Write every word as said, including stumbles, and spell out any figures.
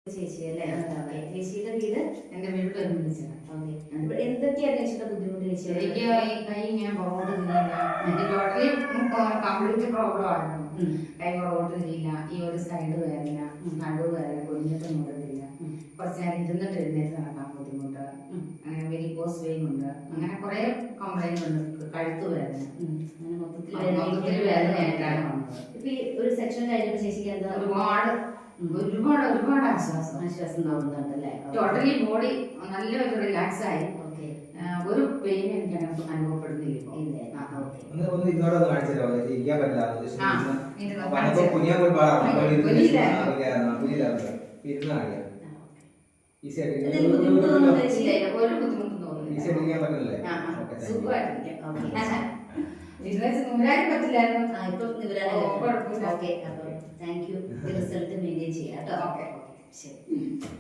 ചേച്ചി അല്ലേ? ചേച്ചിയുടെ വീട് എന്റെ വീട് ഒരുമിച്ചാണ്. എന്തൊക്കെയാണ് ചേച്ചിയുടെ ബുദ്ധിമുട്ട് ചേച്ചി? എനിക്ക് ഈ കൈ ഇങ്ങനെ പുറകോട്ട് തിരിയില്ല. എനിക്ക് ടോട്ടലി കംപ്ലീറ്റ് പ്രോബ്ലം ആയിരുന്നു. കൈ പുറകോട്ട് തിരിയില്ല, ഈ ഒരു സൈഡ് വേദന, നടുവ് വേദന, കുഞ്ഞിട്ട് മുടക്കില്ല, കുറച്ച് നേരം ഇരുന്നിട്ട് എഴുന്നേറ്റ് നടക്കാൻ ബുദ്ധിമുട്ട്, അങ്ങനെ വെരിക്കോസ് വെയിൻ ഉണ്ട്, അങ്ങനെ കുറെ കംപ്ലൈന്റ് ഉണ്ട്. കഴുത്ത് വേദന, മൊത്തത്തിൽ വേദനയായിട്ടാണ് വന്നത്. ഇപ്പൊ ഈ ഒരു സെക്ഷൻ കഴിഞ്ഞപ്പോ ചേച്ചിക്ക് എന്താ ഒരുപാട് ഒരുപാട് ഒരുപാട് ആശ്വാസം ആശ്വാസം തോന്നുന്നുണ്ടല്ലേ? ടോട്ടലി ബോഡി നല്ലൊരു റിലാക്സ് ആയി. ഒരു പെയിൻ എനിക്ക് അനുഭവപ്പെടുന്നില്ല. ഒരു ബുദ്ധിമുട്ടും തോന്നുന്നില്ല. സുഖമായിട്ടിരിക്കാം. നൂരാനും പറ്റില്ലായിരുന്നു. Okay, thank you. Result maintain ചെയ്യാം കേട്ടോ. ഓക്കെ, ശരി.